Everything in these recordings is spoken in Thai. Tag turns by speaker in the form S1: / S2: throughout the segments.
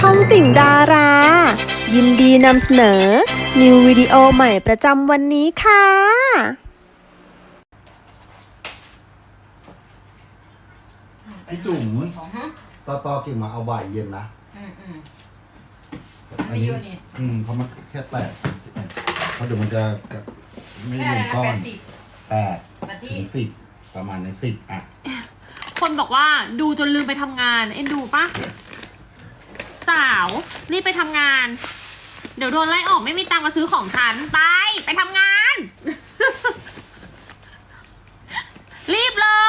S1: องติ่งดารา ยินดีนำเสนอ นิววิดีโอใหม่ประจำวันนี้ค่ะ
S2: พี่จุ๋มต่อกิ่งมาเอาบ่ายเย็นนะ
S3: ไม่เยอะนี่
S2: เพราะมันแค่เพราะเดี๋ยวมันจะไม่
S3: แค่
S2: รวม
S3: นั้น
S2: ก้อน
S3: 80
S2: 8
S3: นาที
S2: ถึง10ประมาณใน10อ่ะ
S4: คนบอกว่าดูจนลืมไปทำงาน เอ็นดูปะสาวรีบไปทำงาน เดี๋ยวโดนไล่ออกไม่มีตังค์มาซื้อของฉันไปทำงาน รีบเลย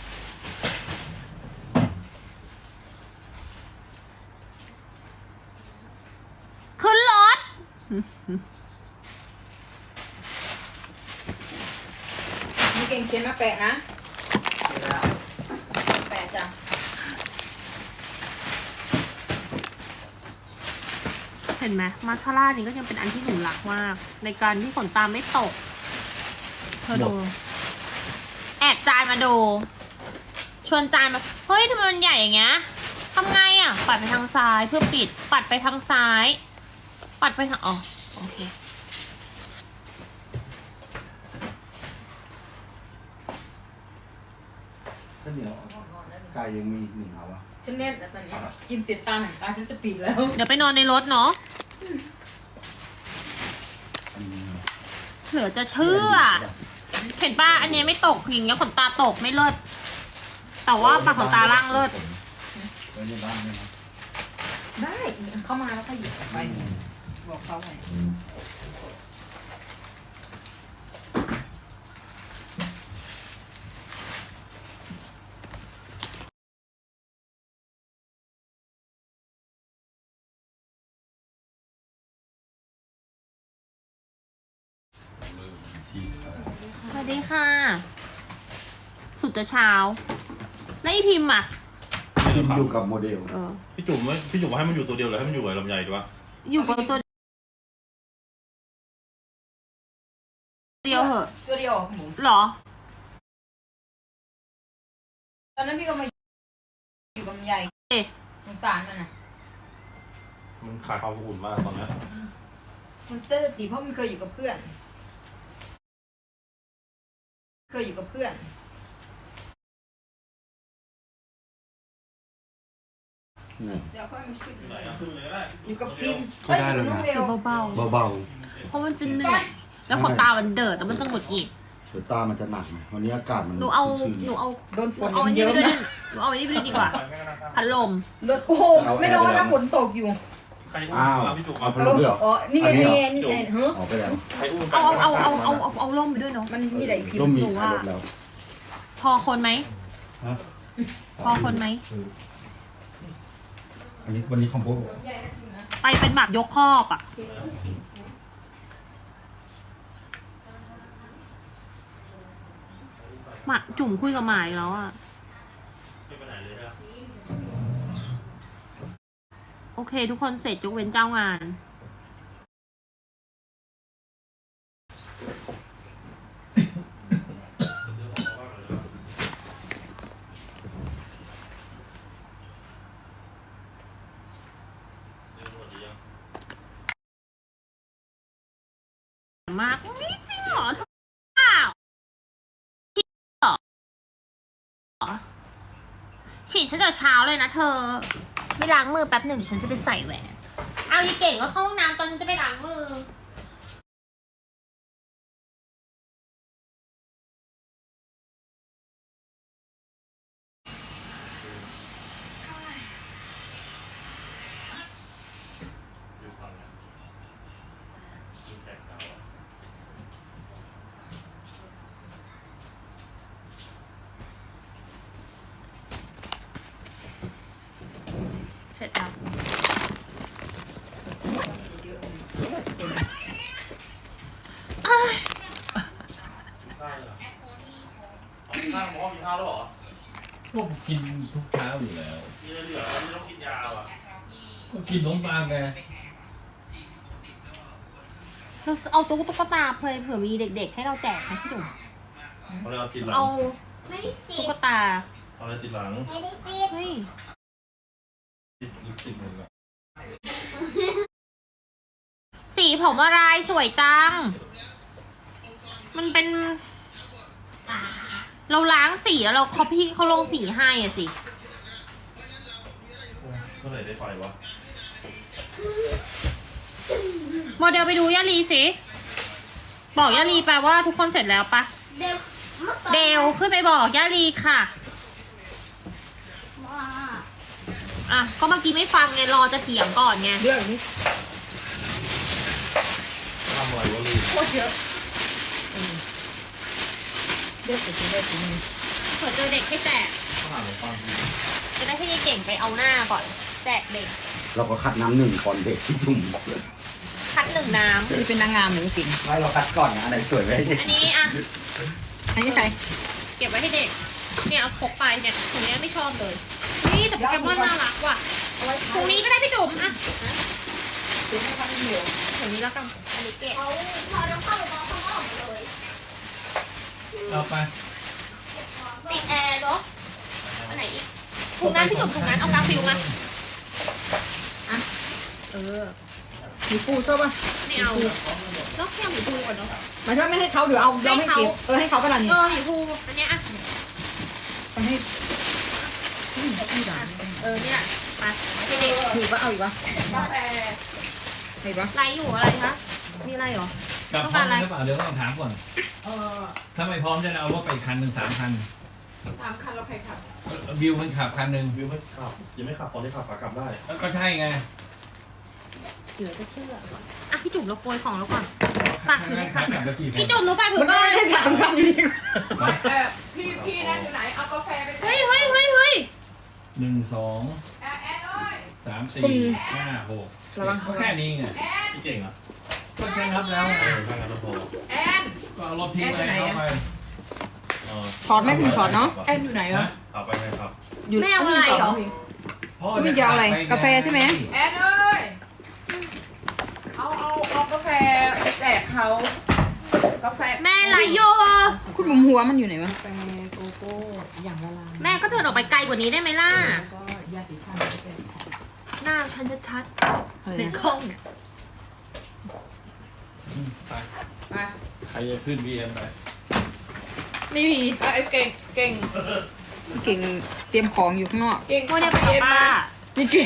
S4: ขึ้นรถ
S3: มีเก่งเขียนมาแปะนะแปะจ้ะ
S4: เห็นไหมมาสคาร่านี่ก็ยังเป็นอันที่หนูรักมาก ในการที่ขนตาไม่ตก เธอดู แอบจานมาดู ชวนจานมา เฮ้ยทำไมมันใหญ่อย่างเงี้ยทำไงอ่ะ ปัดไปทางซ้ายเพื่อปิด ปัดไปทางซ้าย ปัดไปทางอ๋อโอเค
S2: ข้าวเหนียวไก่ยังมีอีก1เอาวะ
S3: ฉันเล่นแล้วตอนนี้กินเสร็จตาหนังตาฉันจะปิดแล้ว
S4: เดี๋ยวไปนอนในรถเนาะ
S2: อันนี้
S4: เหลือจะเชื่อ เห็นป่ะ อันนี้ไม่ตกอย่างเงี้ยขนตาตกไม่เลิศ แต่ว่าปากขนตาล่างเลิศ
S2: ไว้ในบ้านด้วยนะ
S3: ได้เข้ามาแล้วก็หยิบออกไปบอกเขาไง
S4: สวัสดีค่ะ สุดจะเช้า แล้วอีพิมพ์อ่ะ
S2: กินอยู่กับโมเดล
S5: พี่จุ๋มว่าให้มันอยู่ตัวเดียวหรือให้มันอยู่กับลำไยดีวะ
S4: อยู่กับตัวเดียวเหอะ
S3: ตัวเดียวหมู
S4: หรอ
S3: ตอนนั้นพี่ก็มาอยู่กับใหญ่
S4: เอ๊ะ
S3: สงสารมันนะ
S5: มันขาดความอบอุ่นมากตอนเนี้ย
S3: มันเต้นตีเพราะมันเคยอยู่กับเพื่อน เคยอยู่กับเพื่อน
S2: นี่
S3: เดี๋ยวค่อยมาขึ้น
S5: ไหนอะขึ้นเลยก็ได้
S3: อยู่กับพิมพ์
S2: ก็ได้แล้วนะ
S3: เฮ้ยอยู่กับน้องเบล
S4: เบา
S2: เบา
S4: ๆ เพราะมันจะเหนื่อย แล้วขนตามันเดิดแล้วมันจะหงุดหงิด
S2: ๆเดี๋ยวตามันจะหนักไงวันนี้อากาศมัน
S4: หนูเอา
S2: ชื้นๆ
S4: หนูเอา
S3: โดนฝน
S4: เอาอัน
S3: เย
S4: นี้
S3: อะ
S4: ไปด้วย
S3: นะ
S4: หนูเอาอันนี้ไปด้วยดีกว่า พัดลม
S3: รถโอ้โหไม่ร้อนนะฝนตกอยู่
S5: ใครอุ้
S2: อ้าว
S5: มพี่จุ๋ม
S2: เอา
S5: เอา
S2: ไปลงด้วยเหรอ
S3: อ๋อนี่ไง
S2: อันนี้
S3: นี่
S2: เหรอ
S3: ไงนี่ไงฮะ
S2: ออกไปแล้ว
S5: ใครอุ้ม
S4: เอาร่มไปด้วยเนาะ
S3: มันมีอะไรพิม
S2: ร่ม
S3: พ์
S2: มี
S4: หนูว่า
S2: ขายรถแล้ว
S4: พอคนไหม
S2: ฮะ
S4: พอคนไหม
S2: อันนี้วันนี้คอมโบ
S4: ไปเป็นแบบยกครอบอ่ะ หมาจุ่มคุยกับหมายแล้วอ่ะ
S5: ไม่ไปไหนเลยนะ
S4: โอเค ทุกคนเสร็จยกเว้นเจ้างาน มากนี่จริงเหรอเธอเปล่าฉีดเหรอฉีดฉันแต่เช้าเลยนะเธอ ไม่ล้างมือแป๊บหนึ่งเดี๋ยวฉันจะไปใส่แหวน เอาอีเก่งว่าเข้าห้องน้ำตอนฉันจะไปล้างมือเสร็จแล้ว
S5: ข้าวหมอกินข้าวแล้วเหรอ
S6: พวกกินทุกเช้าอยู่แล้ว
S5: มีอะไรเหลือไม่ต้องกินยาอ่ะ
S6: ก็กินขนมปังไง
S4: เอาตุ๊กตาเผื่อมีเด็กๆ ให้เราแจกไหมพี่จุ๋ม
S5: เขาเลยเอากินหลัง
S4: เอาตุ๊กตา
S5: เอาอะไรติดหลัง
S4: เฮ้ย
S5: ติดลิปสติกหนึ่งอะ
S4: ผมอะไรสวยจัง มันเป็น เราล้างสีแล้วเราเขาลงสีให้อะสิ
S5: เมื่อไหร่ได้ไฟวะ
S4: โมเดลไปดูย่าลีสิ บอกย่าลีไปว่าทุกคนเสร็จแล้วปะ เดลขึ้นไปบอกย่าลีค่ะ อ่ะ ก็เมื่อกี้ไม่ฟังไงรอจะเถียงก่อนไง
S3: เรื่องนี้
S5: ทำอะไรวะลี
S3: โคตรเยอะเลือกไปซื้อได้ซื้อนี่
S4: เผื่อเจอเด็กให้แจก
S5: ข้าวหมูปัง
S4: จะได้ให้ยายเก่งไปเอาหน้าก่อน แจกเด็ก
S2: เราก็คัดน้ำหนึ่งก่อนเด็กที่จุ่ม
S4: คัดหนึ่งน้
S3: นี่เป็นนางงามหรือจริง
S2: ไม่เราคัดก่อนนะอันไหนสวยไว้ให้เด็ก
S4: ำอันนี้อ่ะ
S3: อันนี้ใคร
S4: เก็บไว้ให้เด็ก เนี่ยเอาพกไปเนี่ยถุงนี้ไม่ชอบเลย นี่แต่โปเกมอนน่ารักว่ะถุงนี้ก็ได้พี่จุ๋มอ่ะ
S3: ซื้อให้พันเดียว
S4: ถุงนี้แล้วกัน อันนี้เก็บ
S6: เอาไป
S4: ติดแอร์เนาะอันไหนอีกถุงนั้นพี่จุ๋มถุงนั้นเอากาฟิลมา
S3: มีปูชอบป่ะ
S4: ไม่เอาแล้วแค่หมูปูก่อนเนาะ
S3: มันถ้าไม่ให้เขาเดี๋ยวเอาเราไม่เก็บให้เขาไปละนี่
S4: เออหมูปูอันเนี้ยอ่ะ
S3: ไปให้ที่ร้าน
S4: เออเนี่ยไปให้เด็ก
S3: ถูกป่ะเอาอีกป่ะใครป่ะ
S4: ไลฟ์อยู่อะไรคะมีอะไรเหรอ
S6: กลับพร้อมกันหรือเปล่าเดี๋ยวต้องถามก่อนถ้าไม่พร้อมจะเอารถไปอีกคันหนึ่ง3 คัน
S3: 3 คันเราใครขับ
S6: วิวมันขับคันหนึ่ง
S5: วิวไม่ขับยังไม่ขับตอนที่ขับขากลับได้
S6: ก็ใช่ไง
S4: เหลือจะเชื่ออ่ะพี่จุ๋มเราโปรยของแล้วก่อนฝากถือหน่อย
S6: ขา
S4: ค่ะ
S6: กลับแล้วกี่คน
S4: พี่จุ๋มหนูฝากถื
S3: มั
S4: อน ก่
S3: ก็
S4: อน
S3: ไม่ได้3 คันอยู่ดี
S7: พี่นั่นอยู่ไหน เอากาแฟไป
S4: เฮ้ย
S6: 1 2
S7: แอนเอ้ย
S6: 3 4 5 6
S3: ระวัง
S6: ก็แค่นี้ไง
S5: พี่เก่งอ่ะ
S6: ก็แค่นับแล้ว
S5: ถ้างั้นเราพอ
S7: แอน
S6: ก็เอารถทิ้งไปเข้าไป
S3: ถอดไหมคุณถอดเนาะ
S7: แอนอยู่ไหนวะ
S5: ขับไปไงครับ
S3: อยู่
S4: ไม่เอาอะไรเหรอ
S6: พ่อ
S3: ไม่จะเอาอะไรกาแฟใช่ไหม
S7: แอนเอ้ย เอากาแฟไปแจกเขา กาแฟ
S4: แม่ไรโย
S3: คุณบุ๋มหัวมันอยู่ไหนวะ
S7: กาแฟโกโก้อย่างละลาย
S4: แม่ก็เดินออกไปไกลกว่านี้ได้ไหมล่ะ
S7: แล้วก็ยาสีฟันไปแจกของ
S4: หน้าฉันชัด
S3: อะไร
S4: ๆใน
S3: นะ
S4: กล้อง
S6: ไป
S7: ไป
S6: ใครจะขึ้น BM ไป
S4: ไม่มี
S7: ไอ้เก่ง
S3: พี่เก่งเตรียมของอยู่ข้างนอก
S7: เก่ง
S4: โมเดลไปกับป้า
S3: พี่เก่ง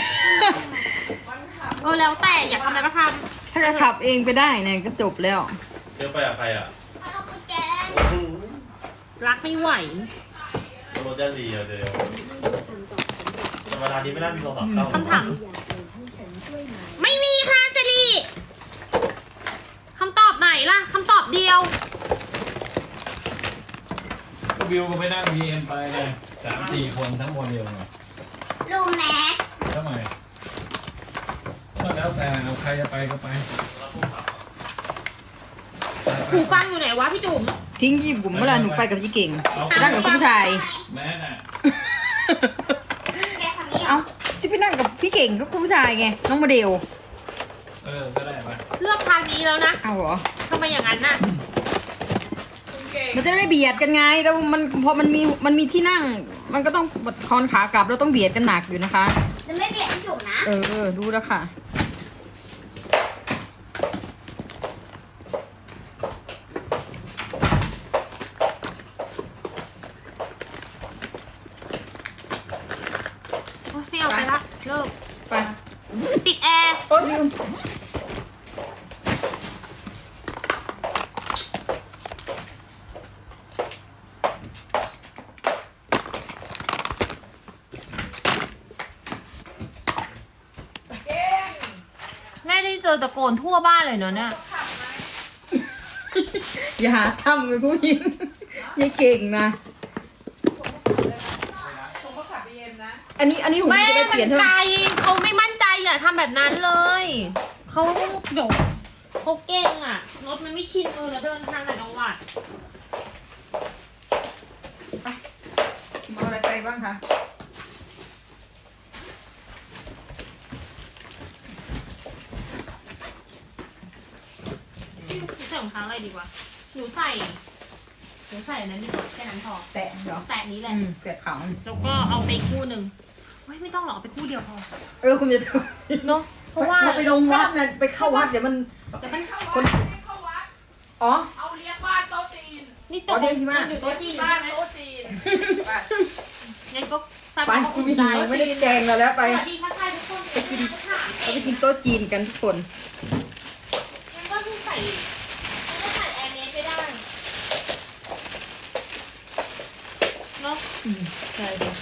S4: แล้วแต่อยากทำอะไรก็ท
S3: ถ้าจะขับเองไปได้เนี่ยก็จบแล้ว
S5: เที่ยวไปกับใครอ่ะ
S4: ำรักไม่ไหว
S5: รถยาลีอ่ะเดี๋ยวธรรมดานี้ไม่น่ามีโทรศัพท์เข้า
S4: คำถามไม่มีค่ะเซรีคำตอบไหนล่ะคำตอบเดียว
S6: ก็วิวก็ไปนั่ง BM ไปไง3-4 คนทั้งโมเดลไง
S8: รู้ไหม
S6: ทำไมก็แล้วแต่เอาใครจะไปก็ไป
S4: หูฟังอยู่ไหนวะพี่จุ๋ม
S3: ทิ้งที่บุ๋มเวลาหนูไปกับพี่เก่ง
S6: เอา
S3: นั่งกับผู้ชาย
S6: แม่น่ะ
S8: แกทำนี้เหร
S3: เอ้า
S8: อ
S3: ที่ไปนั่งกับพี่เก่งก็ผู้ชายไงน้องโมเดล
S6: ก็ได้ไป
S4: เลือกทางนี้แล้วนะ
S3: เอาเหรอ
S4: ทำไมอย่างนั้นน่ะ
S7: คุณเก่ง
S3: มันจะได้ไม่เบียดกันไงแล้วมันพอมันมีที่นั่ง มันก็ต้องคอนขากลับแล้วต้องเบียดกันหนักอยู่นะคะ
S8: จะไม่เบียดพี่จุ๋มนะ
S3: รู้แล้วค่ะ
S4: โอ๊ยไม่เอาไปละเลิก
S3: ไป
S4: ปิดแอร์
S3: โอ้ยลืม
S7: เก่ง
S4: แม่ได้เจอตะโกนทั่วบ้านเลยเนอะเนี่ย
S7: ขับไหม
S3: อย่าหาทำเลยผู้หญิงยายเก่งนะ
S7: ผมก็ขับไปเย็นนะ
S3: อันนี้ผม
S4: แม่
S3: จะไป
S4: มัน
S3: เปลี่ยนเท่า
S4: ไก
S3: ไห
S4: ล
S3: ร่
S4: เขาไม่มั่นใจอย่าทำแบบนั้นเลยเขาเดี๋ยวเขาเก่งอ่ะรถมันไม่ชินมือแล้วเดินทางแต่จังหวัด
S3: เอาอะไรไปบ้างคะ
S4: หนูใส่รองเท้าอะไรดีวะหนูใส่อันนั้นดีกว่าแค่นั้นพอ
S3: แตะเหรอ
S4: แตะนี้แหละ
S3: แตะขาว
S4: แล้วก็เอาไปคู่หนึ่งเฮ้ยไม่ต้องหรอกเอาไปคู่เดียวพอ
S3: คุณจะ
S4: เนาะเพราะว่า
S3: ไปลงวัดนะไปเข้าวัดเดี๋ยวมัน
S4: แต่มัน
S3: คน
S7: เข้าวัด
S3: อ๋อ
S7: เอาเลี้ยงบ้านโต๊ะจีน
S4: นี่
S3: อ๋อเดี๋ยวที่บ้าน
S4: อยู่โต๊ะจีน
S7: บ้านโต๊ะจีนไป
S4: งั้นก็ใส่
S3: ไป
S4: ไป
S3: กูมีหิวไม่ได้แกงเราแล้ว
S4: ส
S3: ไป
S4: วัสดีทักทายทุกคนไปกินข้าว
S3: เราไปกินโต๊ะจีนกันทุกคน
S4: งั้นก็ใส่แอร์เมสไม่ได้เนาะ
S3: ใช่ค่ะ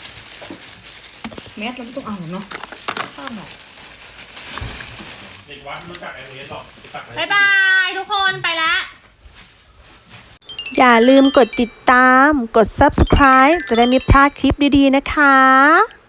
S3: แมสเราไม่ต้องเอาหรอกเนาะข้าวหน่อย
S5: เด็กวัดไม่รู้จักไอเอสหรอกรู้จัก
S4: บ๊ายบายทุกคนไปแล้ว
S1: อย่าลืมกดติดตาม กด subscribe จะได้ไม่พลาดคลิปดีๆนะคะ